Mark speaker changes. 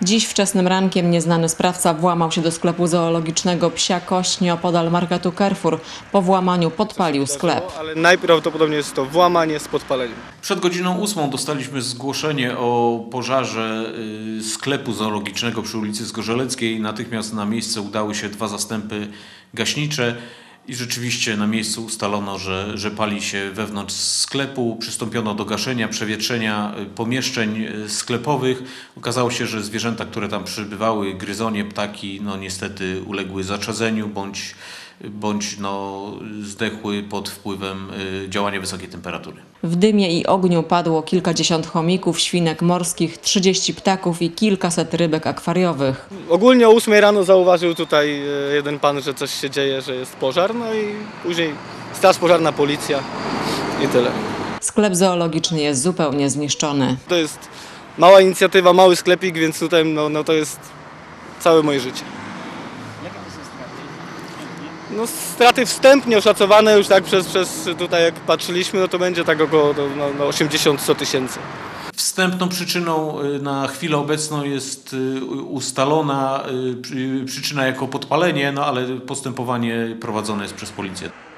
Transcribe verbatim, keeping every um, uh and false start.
Speaker 1: Dziś wczesnym rankiem nieznany sprawca włamał się do sklepu zoologicznego Psia Kość nieopodal marketu Carrefour. Po włamaniu podpalił sklep.
Speaker 2: Ale najprawdopodobniej jest to włamanie z podpaleniem.
Speaker 3: Przed godziną ósmą dostaliśmy zgłoszenie o pożarze sklepu zoologicznego przy ulicy Zgorzeleckiej. Natychmiast na miejsce udały się dwa zastępy gaśnicze. I rzeczywiście na miejscu ustalono, że, że pali się wewnątrz sklepu. Przystąpiono do gaszenia, przewietrzenia pomieszczeń sklepowych. Okazało się, że zwierzęta, które tam przybywały, gryzonie, ptaki, no niestety uległy zaczadzeniu bądź, bądź no, zdechły pod wpływem działania wysokiej temperatury.
Speaker 1: W dymie i ogniu padło kilkadziesiąt chomików, świnek morskich, trzydzieści ptaków i kilkaset rybek akwariowych.
Speaker 2: Ogólnie o ósmej rano zauważył tutaj jeden pan, że coś się dzieje, że jest pożar, no i później straż pożarna, policja i tyle.
Speaker 1: Sklep zoologiczny jest zupełnie zniszczony.
Speaker 2: To jest mała inicjatywa, mały sklepik, więc tutaj no, no to jest całe moje życie. No, straty wstępnie oszacowane już tak przez, przez tutaj jak patrzyliśmy, no to będzie tak około no, no osiemdziesiąt do stu tysięcy.
Speaker 3: Wstępną przyczyną na chwilę obecną jest ustalona przyczyna jako podpalenie, no ale postępowanie prowadzone jest przez policję.